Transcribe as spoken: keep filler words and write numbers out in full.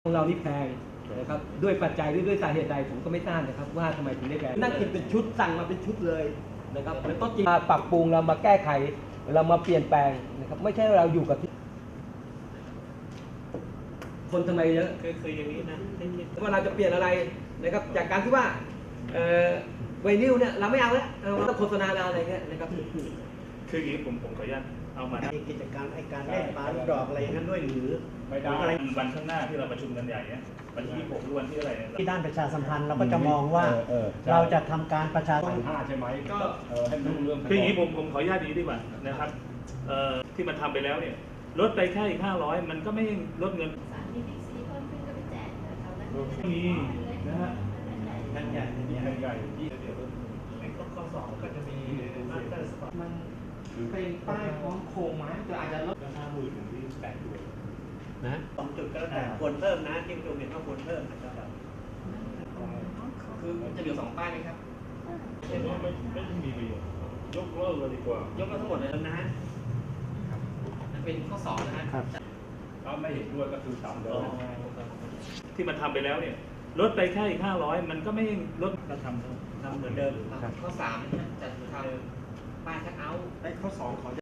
ของเรานี่แพงนะครับด้วยปัจจัยด้วยด้วยสาเหตุใดผมก็ไม่ทราบนะครับว่าทำไมถึงได้แพงนั่งกินเป็นชุดสั่งมาเป็นชุดเลยนะครับแล้วก็จริงมาปรับปรุงเรามาแก้ไขเรามาเปลี่ยนแปลงนะครับไม่ใช่เราอยู่กับที่คนทำไมเยอะเคยเคยอย่างนี้นะว่าเราจะเปลี่ยนอะไรนะครับจากการที่ว่าไวนิลเนี่ยเราไม่เอาแล้วเราต้องโฆษณาอะไรเงี้ยนะครับคืออย่างนี้ผมผมขออนุญาตเอามามีกิจการไอการเล่นปลาลูกดอกอะไรอย่างนั้นด้วยหรือไม่ได้วันข้างหน้าที่เราประชุมกันใหญ่เนี่ยวันที่ยี่สิบหกหรือวันที่อะไรเนี่ยที่ด้านประชาสัมพันธ์เราก็จะมองว่าเราจะทำการประชาสัมพันธ์ห้าใช่ไหมก็ให้รู้เรื่องคืออย่างนี้ผมผมขออนุญาตนี้ดีกว่านะครับที่มันทำไปแล้วเนี่ยลดไปแค่อีกห้าร้อยมันก็ไม่ลดเงินมีนะฮะนั่นใหญ่ใหญ่ที่เดี๋ยวในข้อสองก็จะมีมาสเตอร์สปอร์ตมันเป็นป้ายพร้อมโครงไม้แต่อาจจะลดห้าหมื่นถึงที่แปดด้วยนะสองจุดก็แล้วแต่ควรเพิ่มนะที่ประชุมเห็นว่าควรเพิ่มนะครับคือจะเหลือสองป้ายไหมครับไม่ไม่ไม่มีประโยชน์ยกเลิกเลยดีกว่ายกเลิกทั้งหมดเลยนะฮะเป็นข้อสองนะฮะถ้าไม่เห็นด้วยก็คือต่ำเลยที่มันทำไปแล้วเนี่ยลดไปแค่อีกห้าร้อยมันก็ไม่ลดก็ทำทำเหมือนเดิมข้อสามจะทำป้ายคัทเอาท์ข้อสองขอ